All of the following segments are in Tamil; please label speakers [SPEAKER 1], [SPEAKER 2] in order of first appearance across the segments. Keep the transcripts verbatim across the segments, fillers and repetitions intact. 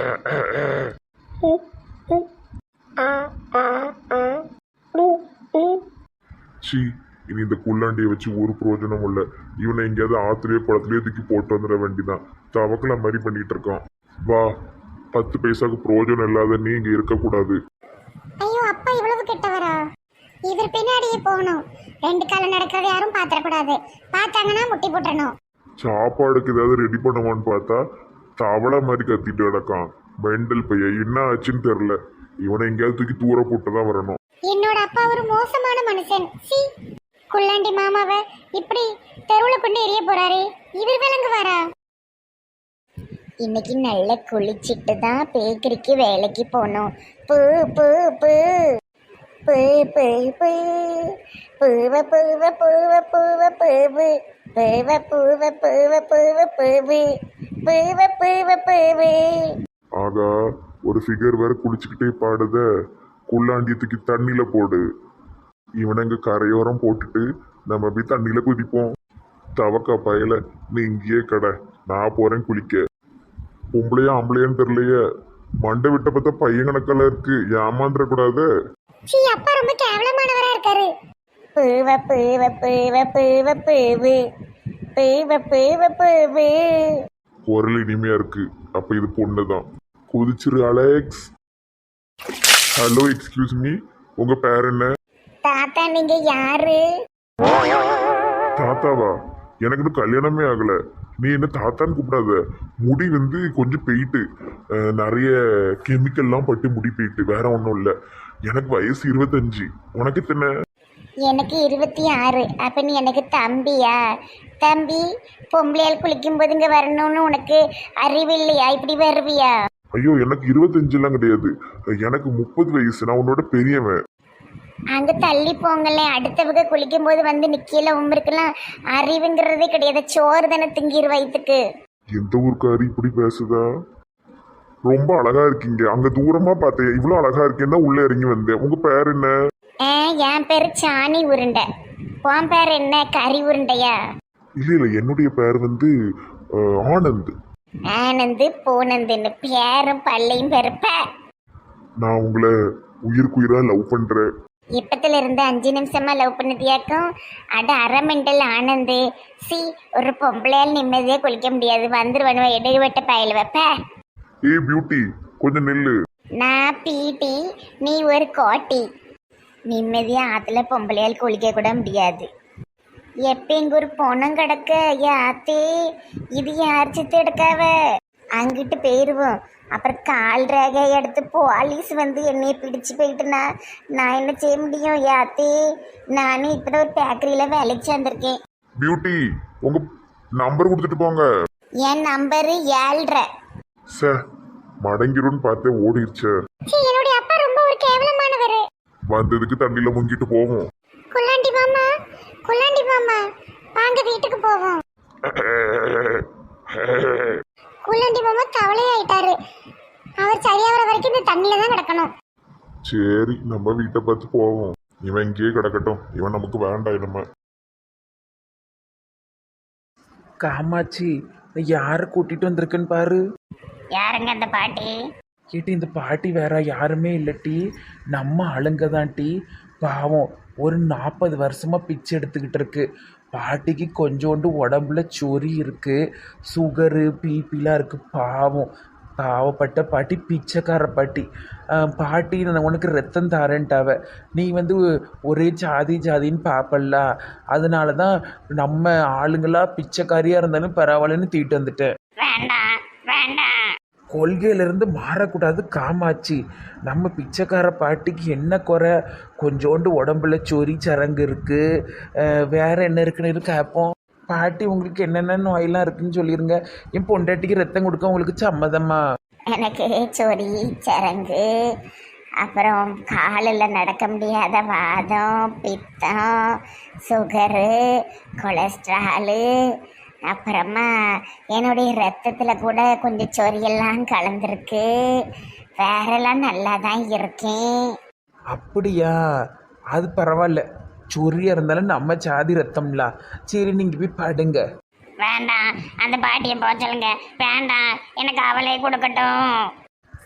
[SPEAKER 1] சி, இனி இந்த குள்ளாண்டியை வச்சு ஒரு பிரயோஜனம் இல்லை. இவனை எங்கேயாவது ஆத்துலயோ குளத்துலயோ தூக்கி போட்டு வந்துட வேண்டிதான். தவக்கல மாதிரி பண்ணிட்டு இருக்கான். வா, பத்து பைசாக்கு பிரயோஜனம் இல்லாத நீ இங்க இருக்கக்கூடாது.
[SPEAKER 2] ஐயோ அப்பா இவ்வளவு கெட்டவரா? இவர் பின்னாடியே போகணும். ரெண்டு காலம் நடக்கிறத யாரும் பாத்திரக்கூடாது. பார்த்தாங்கன்னா முட்டி போட்டணும்.
[SPEAKER 1] சாப்பாடுக்கு ஏதாவது ரெடி பண்ணுவான்னு பார்த்தா தவளை மாதிரி கத்திட்டு கிடக்கான். மெண்டல் பையன் என்ன ஆச்சுன்னு தெரியல. இவனை எங்கேயாவது தூக்கி தூர போட்டு தான் வரணும்.
[SPEAKER 2] என்னோட அப்பா ஒரு மோசமான மனுஷன். சி, குள்ளாண்டி மாமாவை இப்படி தெருவுல கொண்டு எரிய போறாரு. இவர் விளங்குவாரா? இன்னைக்கு நல்ல குளிச்சிட்டு தான் பேக்கரிக்கு வேலைக்கு போனோம். பூ பூ பூ பூ பூ பூ பூவ பூவ பூவ பூவ பூவு பூவ பூவ பூவ பூவ பூவு பூவ பூவ பூவு.
[SPEAKER 1] ஆகா, ஒரு ஃபிகர் வேற குளிச்சுக்கிட்டே பாடுத. குள்ளாண்டியத்துக்கு தண்ணியில போடு. இவனை இங்க கரையோரம் போட்டுட்டு நம்ம போய் தண்ணியில குதிப்போம். தவக்கா பயல, நீ இங்கேயே கடை, நான் போறேன் குளிக்க. பொம்பளையா ஆம்பளையான்னு தெரியலையே, மண்டை விட்ட பார்த்தா பையன் கணக்கெல்லாம் இருக்கு. ஏமாந்துட கூடாது.
[SPEAKER 2] சீ, அப்பா ரொம்ப கேவலமானவரா இருக்காரு. பூவ பூவ பூவ பூவ பூவு பூவ பூவ பூவு.
[SPEAKER 1] குரல் இனிமையா இருக்கு. அப்ப இது பொண்ணுதான். குதிச்சிரு அலெக்ஸ். ஹலோ, எக்ஸ்கியூஸ் மீ, உங்க பேர் என்ன?
[SPEAKER 2] தாத்தா, நீங்க யாரு?
[SPEAKER 1] தாத்தாவா? எனக்கு இன்னும் கல்யாணமே ஆகல. நீ என்ன தாத்தான்னு கூப்பிடாத. முடி வந்து கொஞ்சம் போயிட்டு, நிறைய கெமிக்கல்லாம் பட்டு முடி போயிட்டு, வேற ஒன்றும் இல்லை. எனக்கு வயசு இருபத்தஞ்சு. உனக்கு எத்தனை?
[SPEAKER 2] எனக்கு இருபத்தி ஆறு. அப்ப நீ எனக்கு தம்பியா? தம்பி, பொம்பளையால் குளிக்கும் போது இங்க வரணும்னு உனக்கு அறிவு இல்லையா? இப்படி வருவியா?
[SPEAKER 1] ஐயோ, எனக்கு இருபத்தஞ்சு எல்லாம் கிடையாது. எனக்கு முப்பது வயசு. நான் உன்னோட பெரியவன்.
[SPEAKER 2] அங்க தள்ளி போங்கல்ல. அடுத்தவங்க குளிக்கும் போது வந்து நிக்கல. உங்களுக்கெல்லாம் அறிவுங்கிறதே கிடையாது. சோறு தானே திங்கிற வயிற்றுக்கு.
[SPEAKER 1] எந்த ஊருக்காரி இப்படி பேசுதா? ரொம்ப அழகா இருக்கீங்க. அங்க தூரமா பார்த்தேன், இவ்வளவு அழகா இருக்கேன்னா உள்ள இறங்கி வந்தேன். உங்க பேர் என்ன?
[SPEAKER 2] என் பேரு சாணி உருண்டை. உன் பேர் என்ன? கறி உருண்டையா?
[SPEAKER 1] இல்ல இல்ல, என்னுடைய பேர் வந்து ஆனந்த்.
[SPEAKER 2] ஆனந்து பூனந்துன்னு பேரும் பள்ளையும் பெருப்ப.
[SPEAKER 1] நான் உங்களை உயிருக்குயிரா லவ் பண்றேன்.
[SPEAKER 2] இப்பத்துல இருந்து அஞ்சு நிமிஷமா லவ் பண்ணதியாக்கும். அட அரை மெண்டல் ஆனந்து. சி, ஒரு பொம்பளையால் நிம்மதியா குளிக்க முடியாது. வந்துருவனுவ இடைவெட்ட பயல் வைப்ப.
[SPEAKER 1] ஏ பியூட்டி, கொஞ்சம் நில்லு.
[SPEAKER 2] நான் பீட்டி, நீ ஒரு கோட்டி. நிம்மதியா ஆத்துல பொம்பளையால் குளிக்க கூட முடியாது. எப்ப எங்க ஒரு பொணம் கிடக்க யாத்தே. இது யார் சித்து எடுக்காவ? அங்கிட்டு போயிருவோம். அப்புறம் கால் ரேகை எடுத்து போலீஸ் வந்து என்னைய பிடிச்சு போயிட்டுனா நான் என்ன செய்ய முடியும்? யாத்தே, நானே இப்பதான் ஒரு பேக்கரியில வேலைக்கு சேர்ந்திருக்கேன்.
[SPEAKER 1] பியூட்டி, உங்க நம்பர் கொடுத்துட்டு போங்க.
[SPEAKER 2] என் நம்பரு ஏழ்ரை.
[SPEAKER 1] சார், மடங்கிருன்னு பார்த்தே ஓடிருச்சு.
[SPEAKER 2] என்னுடைய அப்பா ரொம்ப ஒரு கேவலமானவர்.
[SPEAKER 1] வந்ததுக்கு தண்ணியில முங்கிட்டு போவோம்.
[SPEAKER 2] குள்ளாண்டி மாமா, குள்ளாண்டி மாமா, வாங்க வீட்டுக்கு போவோம். குள்ளாண்டி மாமா கவலையாயிட்டாரு. அவர் சரியாகிற வரைக்கும் இந்த தண்ணியில தான் கிடக்கணும்.
[SPEAKER 1] சரி, நம்ம வீட்டை பார்த்து போவோம். இவன் இங்கேயே கிடக்கட்டும். இவன் நமக்கு வேண்டாம். நம்ம
[SPEAKER 3] காமாட்சி, யாரை கூட்டிட்டு வந்திருக்குன்னு பாரு.
[SPEAKER 2] யாருங்க அந்த பாட்டி?
[SPEAKER 3] கேட்டி, இந்த பாட்டி வேற யாருமே இல்லட்டி, நம்ம ஆளுங்க தான் டி. பாவம், ஒரு நாற்பது வருஷமா பிச்சை எடுத்துக்கிட்டு இருக்கு. பாட்டிக்கு கொஞ்சோண்டு உடம்புல சொறி இருக்கு, சுகரு பிபிலாம் இருக்கு. பாவம், பாவப்பட்ட பாட்டி, பிச்சைக்கார பாட்டி. பாட்டி, நான் உனக்கு ரத்தம் தாரேன்ட்டாவ. நீ வந்து ஒரே ஜாதி ஜாதின்னு பார்ப்பல்ல, அதனால தான் நம்ம ஆளுங்களா பிச்சைக்காரியாக இருந்தாலும் பரவாயில்லன்னு தீட்டு வந்துட்டேன்.
[SPEAKER 2] வேண்டாம் வேண்டாம்.
[SPEAKER 3] கொள்கையிலிருந்து மாறக்கூடாது காமாட்சி. நம்ம பிச்சைக்கார பாட்டிக்கு என்ன குறை? கொஞ்சோண்டு உடம்புல சொறி சரங்கு இருக்குது, வேற என்ன இருக்குன்னு கேட்போம். பாட்டி, உங்களுக்கு என்னென்ன நோயெல்லாம் இருக்குன்னு சொல்லிடுங்க. என் பொண்டாட்டிக்கு ரத்தம் கொடுக்க உங்களுக்கு சம்மதமா?
[SPEAKER 2] எனக்கு சொறி சரங்கு, அப்புறம் காலில் நடக்க முடியாத வாதம், பித்தம், சுகரு, கொலஸ்ட்ராலு, அப்புறமா என்னுடைய ரத்தத்தில் கூட கொஞ்சம் சொரியெல்லாம் கலந்துருக்கு. வேறெல்லாம் நல்லா தான் இருக்கேன்.
[SPEAKER 3] அப்படியா? அது பரவாயில்ல. சொரியா இருந்தாலும் நம்ம சாதி ரத்தம்ல. சரி, நீங்கள் போய் படுங்க.
[SPEAKER 2] வேண்டாம், அந்த பாட்டியை போக சொல்லுங்க. வேண்டாம், எனக்கு அவளே கொடுக்கட்டும்.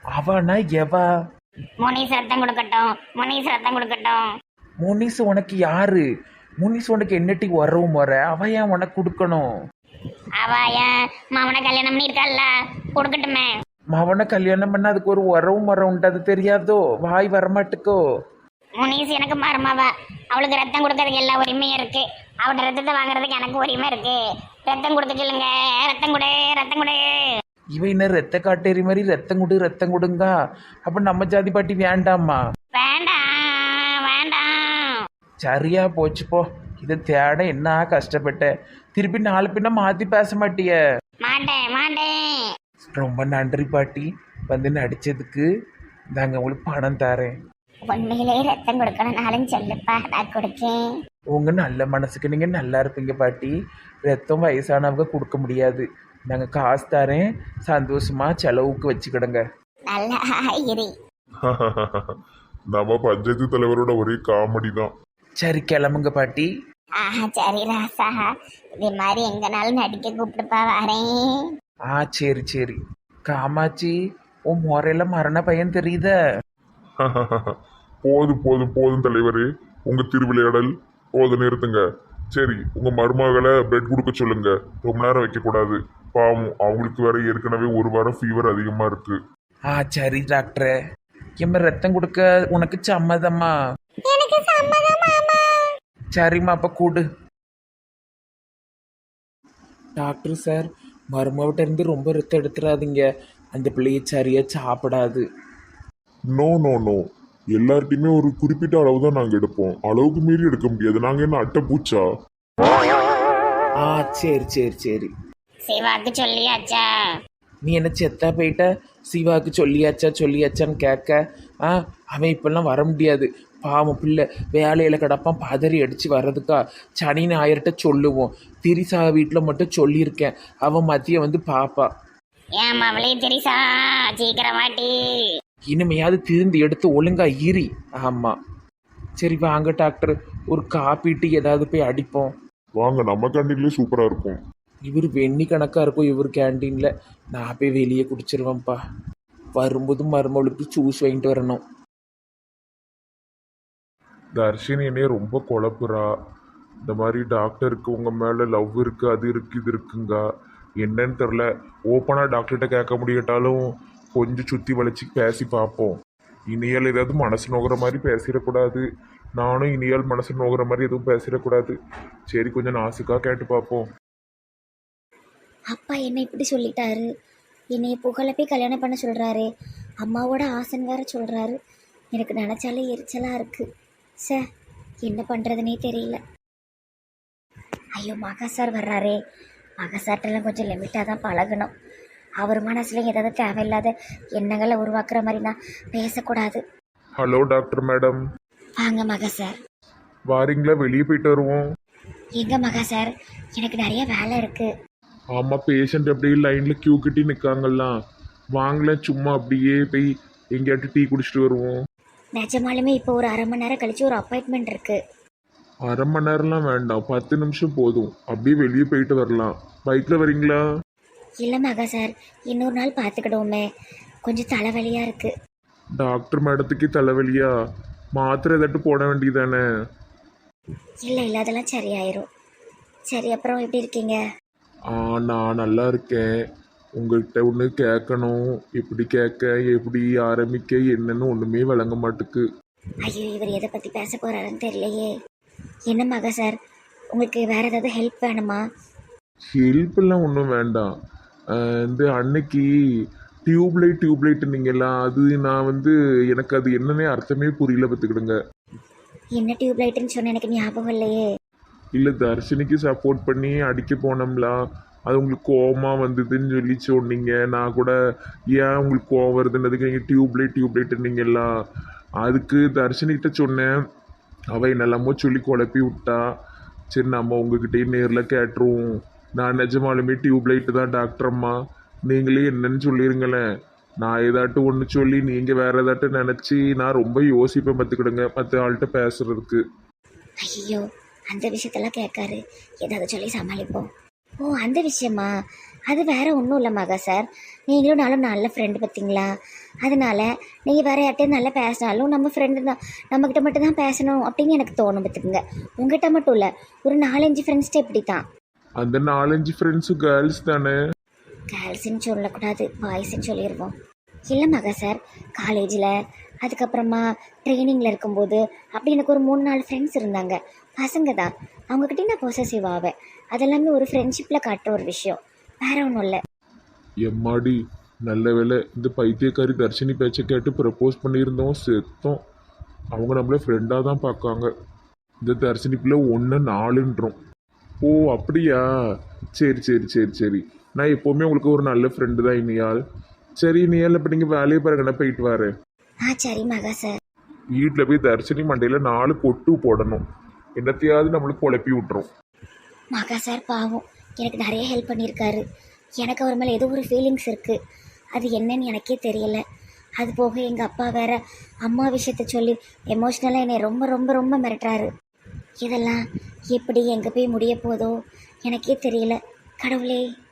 [SPEAKER 3] அவனா எவா?
[SPEAKER 2] முனிஸ் ரத்தம் கொடுக்கட்டும், முனிஸ் ரத்தம் கொடுக்கட்டும்.
[SPEAKER 3] முனிஸ் உனக்கு யாரு? முனிஸ் உனக்கு என்னட்டி உறவு முறை? அவ ஏன் உனக்கு கொடுக்கணும்?
[SPEAKER 2] அவ என் மாமனை கல்யாணம் பண்ணியிருக்காள்ல, கொடுக்கட்டுமே.
[SPEAKER 3] மவனை கல்யாணம் பண்ண அதுக்கு ஒரு உறவு முறை உண்டு, அது தெரியாதோ? வாய் வரமாட்டுக்கோ?
[SPEAKER 2] முனிஸ் எனக்கு மருமாவ, அவளுக்கு ரத்தம் கொடுக்கறதுக்கு எல்லா உரிமையும் இருக்கு. அவட்ட ரத்தத்தை வாங்குறதுக்கு எனக்கு உரிமை இருக்கு. ரத்தம் கொடுக்க சொல்லுங்க, ரத்தம் கொடு, ரத்தம் கொடு.
[SPEAKER 3] இவ இன்னும் ரத்த காட்டேரி மாதிரி ரத்தம் கொடு ரத்தம் கொடுங்க. அப்ப நம்ம ஜாதி பாட்டி வேண்டாமா?
[SPEAKER 2] வேண்டாம் வேண்டாம்.
[SPEAKER 3] சரியா போச்சு போ. இதை தேட என்ன கஷ்டப்பட்டேன். திருப்பி நாலு பின்ன மாத்தி பேச மாட்டிய?
[SPEAKER 2] மாட்டேன் மாட்டேன்.
[SPEAKER 3] ரொம்ப நன்றி பாட்டி, வந்து நடிச்சதுக்கு. நாங்க உங்களுக்கு பணம் தரேன்.
[SPEAKER 2] உண்மையிலே ரத்தம் கொடுக்கணும்னாலும் சொல்லுப்பா, நான் கொடுக்கேன்.
[SPEAKER 3] உங்க நல்ல மனசுக்கு நீங்க நல்லா இருப்பீங்க பாட்டி. ரத்தம் வயசானவங்க கொடுக்க முடியாது. நாங்க காசு தரேன், சந்தோஷமா செலவுக்கு வச்சுக்கிடுங்க.
[SPEAKER 2] நல்லா இரு.
[SPEAKER 1] நம்ம பஞ்சாயத்து தலைவரோட ஒரே காமெடி தான்.
[SPEAKER 3] சரி கிளம்புங்க பாட்டி.
[SPEAKER 2] ஆஹா சரி ராசா, இதே மாதிரி எங்கனாலும் நடிக்க கூப்பிட்டுப்பா, வரேன்.
[SPEAKER 3] ஆ சரி சரி. காமாட்சி, உன் முறையில மரண பையன் தெரியுத?
[SPEAKER 1] போதும் போதும் போதும் தலைவரே, உங்க திருவிளையாடல் போதும், நிறுத்துங்க. சரி, உங்க மருமகளை பெட் கொடுக்க சொல்லுங்க. ரொம்ப நேரம் வைக்க கூடாது, பாவம் அவங்களுக்கு வேற ஏற்கனவே ஒரு வாரம் ஃபீவர் அதிகமா இருக்கு.
[SPEAKER 3] ஆ சரி டாக்டரே. எம்ம ரத்தம் கொடுக்க உனக்கு சம்மதமா?
[SPEAKER 2] எனக்கு சம்மதம் மாமா.
[SPEAKER 3] சரிம்மா, அப்ப கூடு. டாக்டர் சார், மருமகிட்ட இருந்து ரொம்ப ரத்தம் எடுத்துடாதீங்க. அந்த பிள்ளைய சரியா சாப்பிடாது.
[SPEAKER 1] நோ நோ நோ, எல்லார்ட்டையுமே ஒரு குறிப்பிட்ட அளவு தான் நாங்கள் எடுப்போம். அளவுக்கு மீறி எடுக்க முடியாது. நாங்கள் என்ன அட்டை பூச்சா?
[SPEAKER 3] ஆ சரி சரி சரி.
[SPEAKER 2] சிவாக்கு சொல்லியாச்சா?
[SPEAKER 3] நீ என்ன செத்தா போயிட்ட? சிவாவுக்கு சொல்லியாச்சா சொல்லியாச்சான்னு கேட்க. ஆ அவன் இப்பெல்லாம் வர முடியாது, பாவம் பிள்ளை வேலையில் கிடப்பான். பதறி அடித்து வர்றதுக்கா? சனி ஞாயிறுட்ட சொல்லுவோம். திரிசா வீட்டில் மட்டும் சொல்லியிருக்கேன், அவன் மதியம் வந்து பாப்பா.
[SPEAKER 2] ஏன் அவளே தெரிசா, சீக்கிரமாட்டி.
[SPEAKER 3] இனிமையாவது திருந்து எடுத்து ஒழுங்கா ஈரி. ஆமாம் சரி வாங்க டாக்டர், ஒரு காப்பி டீ ஏதாவது போய் அடிப்போம்.
[SPEAKER 1] வாங்க, நம்ம கேண்டீன்லேயே சூப்பராக இருக்கும்.
[SPEAKER 3] இவர் வெண்ணி கணக்காக இருக்கும் இவர் கேண்டீனில். நான் போய் வெளியே குடிச்சிருவேன்ப்பா. வரும்போது மருமகளுக்கு ஜூஸ் வாங்கிட்டு வரணும்.
[SPEAKER 1] தர்ஷினி என்னைய ரொம்ப குழப்புறா. இந்த மாதிரி டாக்டருக்கு உங்கள் மேலே லவ் இருக்குது, அது இருக்குது, இது இருக்குங்க. என்னன்னு தெரில. ஓப்பனாக டாக்டர்கிட்ட கேட்க முடியட்டாலும் கொஞ்சம் சுற்றி வளைச்சி பேசி பார்ப்போம். இனியால் ஏதாவது மனசு நோகிற மாதிரி பேசிடக்கூடாது, நானும் இனியால் மனசு நோகிற மாதிரி எதுவும் பேசிடக்கூடாது. சரி, கொஞ்சம் நாசுக்காக கேட்டு பார்ப்போம்.
[SPEAKER 4] அப்பா என்ன இப்படி சொல்லிட்டாரு? என்னைய புகழை போய் கல்யாணம் பண்ண சொல்கிறாரு. அம்மாவோட ஆசன் வேற சொல்கிறாரு. எனக்கு நினச்சாலே எரிச்சலாக இருக்குது. சே, என்ன பண்ணுறதுனே தெரியல. ஐயோ, மகா சார் வர்றாரே. மகா சார்ட்டெல்லாம் கொஞ்சம் லிமிட்டாக தான் பழகணும். அவர் மனசில் ஏதாவது தேவையில்லாத எண்ணங்களை உருவாக்குற மாதிரி நான் பேசக்கூடாது.
[SPEAKER 1] Hello doctor madam.
[SPEAKER 4] வாங்க மகா சார்.
[SPEAKER 1] வாரீங்களா? வெளியே போயிட்டு வருவோம்.
[SPEAKER 4] எங்க மகா சார், எனக்கு நிறைய வேலை இருக்குது.
[SPEAKER 1] ஆமாம், பேஷண்ட் அப்படியே லைனில் கியூ கட்டி நிற்காங்கல்லாம். வாங்கல, சும்மா அப்படியே போய் எங்கேயாட்டு டீ குடிச்சிட்டு வருவோம்.
[SPEAKER 4] நிஜமாலுமே இப்போ ஒரு அரை மணி நேரம் கழிச்சு ஒரு அப்பாயின்மெண்ட் இருக்குது.
[SPEAKER 1] அரை மணி நேரம்லாம் வேண்டாம், பத்து நிமிஷம் போதும். அப்படியே வெளியே போயிட்டு வரலாம். பைக்கில் வரீங்களா?
[SPEAKER 4] இல்லை மகா சார், இன்னொரு நாள் பார்த்துக்கிடுவோமே. கொஞ்சம் தலைவலியாக இருக்குது.
[SPEAKER 1] டாக்டர் மேடத்துக்கு தலைவலியா? மாத்திரை ஏதாட்டு போட வேண்டியதானே?
[SPEAKER 4] இல்லை இல்லை, அதெல்லாம் சரியாயிரும். சரி, அப்புறம் எப்படி இருக்கீங்க?
[SPEAKER 1] ஆ, நான் நல்லா இருக்கேன். உங்கள்கிட்ட ஒன்று கேட்கணும். எப்படி கேட்க, எப்படி ஆரம்பிக்க, என்னன்னு ஒன்றுமே விளங்க மாட்டுக்கு.
[SPEAKER 4] ஐயோ, இவர் எதை பற்றி பேச போகிறாருன்னு தெரியலையே. என்ன மகா சார், உங்களுக்கு வேறு ஏதாவது ஹெல்ப் வேணுமா?
[SPEAKER 1] ஹெல்ப்லாம் ஒன்றும் வேண்டாம். இந்த அன்னைக்கு டியூப்லைட் டியூப்லைட் நீங்கள்லாம், அது நான் வந்து எனக்கு அது என்னன்னே அர்த்தமே புரியல, பார்த்துக்கிடுங்க.
[SPEAKER 4] என்ன டியூப் லைட்டுன்னு சொன்ன எனக்கு ஞாபகம் இல்லையே.
[SPEAKER 1] இல்லை, தர்ஷினிக்கு சப்போர்ட் பண்ணி அடிக்க போனோம்லா, அது உங்களுக்கு கோவமாக வந்ததுன்னு சொல்லி சொன்னீங்க. நான் கூட ஏன் உங்களுக்கு கோவம் வருதுன்றதுக்கு நீங்கள் டியூப்லைட் டியூப்லைட் நீங்கள்லாம், அதுக்கு தர்ஷினிகிட்ட சொன்னேன். அவள் என்னெல்லாமோ சொல்லி குழப்பி விட்டா. சரி, நம்ம உங்ககிட்டயே நேரில் கேட்டுருவோம். நான் நிஜமாலுமே டியூப்லைட்டு தான் டாக்டர் அம்மா, நீங்களே என்னன்னு சொல்லிடுங்களேன். நான் ஏதாட்டும் ஒன்று சொல்லி நீங்கள் வேறு ஏதாட்டும் நினச்சி நான் ரொம்ப யோசிப்பேன், பார்த்துக்கிடுங்க மற்ற ஆள்கிட்ட பேசுகிறதுக்கு.
[SPEAKER 4] ஐயோ, அந்த விஷயத்தெல்லாம் கேட்காரு. ஏதாவது சொல்லி சமாளிப்போம். ஓ, அந்த விஷயமா? அது வேற ஒன்றும் இல்லை மகா சார், நீங்களும் நானும் நல்ல ஃப்ரெண்டு பார்த்தீங்களா, அதனால நீங்கள் வேற யார்கிட்டயும் நல்லா பேசினாலும் நம்ம ஃப்ரெண்டு தான், நம்மக்கிட்ட மட்டும் தான் பேசணும் அப்படின்னு எனக்கு தோணும் பார்த்துக்குங்க. உங்ககிட்ட மட்டும் இல்லை, ஒரு நாலஞ்சு ஃப்ரெண்ட்ஸ்கிட்ட இப்படி தான்.
[SPEAKER 1] அந்த நாலஞ்சு ஃப்ரெண்ட்ஸு கேர்ள்ஸ் தானே?
[SPEAKER 4] கேர்ள்ஸுன்னு சொல்லக்கூடாது, பாய்ஸ்ன்னு சொல்லிடுவோம். இல்லை மகா சார், காலேஜில் அதுக்கப்புறமா ட்ரைனிங்கில் இருக்கும்போது அப்படி எனக்கு ஒரு மூணு நாலு ஃப்ரெண்ட்ஸ் இருந்தாங்க, பசங்க தான். அவங்கக்கிட்டே நான் பொசசிவ் ஆவேன். அதெல்லாமே ஒரு ஃப்ரெண்ட்ஷிப்பில் காட்டுற ஒரு விஷயம், வேற ஒன்றும் இல்லை.
[SPEAKER 1] எம்மாடி, நல்ல வேலை இந்த பைத்தியக்காரி தர்ஷினி பேச்சை கேட்டு ப்ரப்போஸ் பண்ணியிருந்தோம், செத்தோம். அவங்க நம்மள ஃப்ரெண்டாக தான் பார்க்காங்க. இந்த தர்ஷினிக்குள்ளே ஒன்று நாலுன்றோம். ஓ அப்படியா, சரி சரி சரி சரி. நான் எப்போவுமே உங்களுக்கு ஒரு நல்ல ஃப்ரெண்டு தான் இனியால். சரி இனியால், இப்போ நீங்கள் வேலையை பாருங்க, நான் போயிட்டு வரேன்.
[SPEAKER 4] ஆ சரி மகா சார்.
[SPEAKER 1] வீட்டில் போய் தர்ஷினி மண்டையில் நாலு கொட்டு போடணும், என்னத்தையாவது நம்மளுக்கு குழப்பி விட்டுரும்.
[SPEAKER 4] மகா சார் பாவம், எனக்கு நிறைய ஹெல்ப் பண்ணியிருக்காரு. எனக்கு அவர் மேலே ஏதோ ஒரு ஃபீலிங்ஸ் இருக்குது, அது என்னன்னு எனக்கே தெரியல. அது போக எங்கள் அப்பா வேற அம்மா விஷயத்த சொல்லி எமோஷ்னலாக என்னை ரொம்ப ரொம்ப ரொம்ப மிரட்டுறாரு. இதெல்லாம் எப்படி எங்கே போய் முடிய போதோ எனக்கே தெரியல. கடவுளே.